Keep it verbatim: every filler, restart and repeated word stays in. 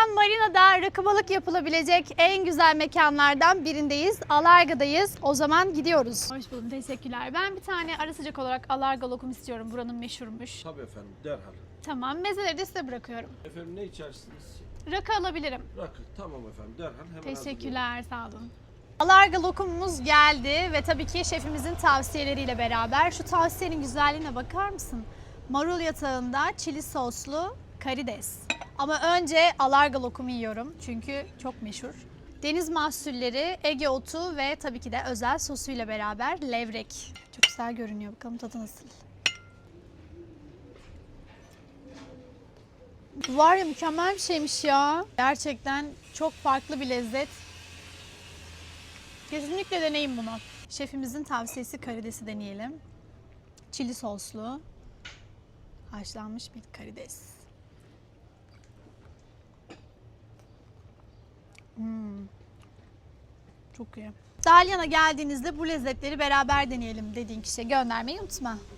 an marinada rakı balık yapılabilecek en güzel mekanlardan birindeyiz. Alarga'dayız. O zaman gidiyoruz. Hoş buldum. Teşekkürler. Ben bir tane ara sıcak olarak Alarga lokum istiyorum. Buranın meşhurmuş. Tabii efendim, derhal. Tamam. Mezeleri de size bırakıyorum. Efendim ne içersiniz? Rakı alabilirim. Rakı. Tamam efendim, derhal hemen Teşekkürler. Sağ olun. Alarga lokumumuz geldi ve tabii ki şefimizin tavsiyeleriyle beraber şu tavsiyenin güzelliğine bakar mısın? Marul yatağında çili soslu karides. Ama önce Alarga lokumu yiyorum çünkü çok meşhur. Deniz mahsulleri, Ege otu ve tabii ki de özel sosuyla beraber levrek. Çok güzel görünüyor. Bakalım tadı nasıl? Var ya, mükemmel bir şeymiş ya. Gerçekten çok farklı bir lezzet. Kesinlikle deneyin bunu. Şefimizin tavsiyesi karidesi deneyelim. Çili soslu haşlanmış bir karides. Hmm. Çok iyi. Dalyan'a geldiğinizde bu lezzetleri beraber deneyelim dediğin kişiye göndermeyi unutma.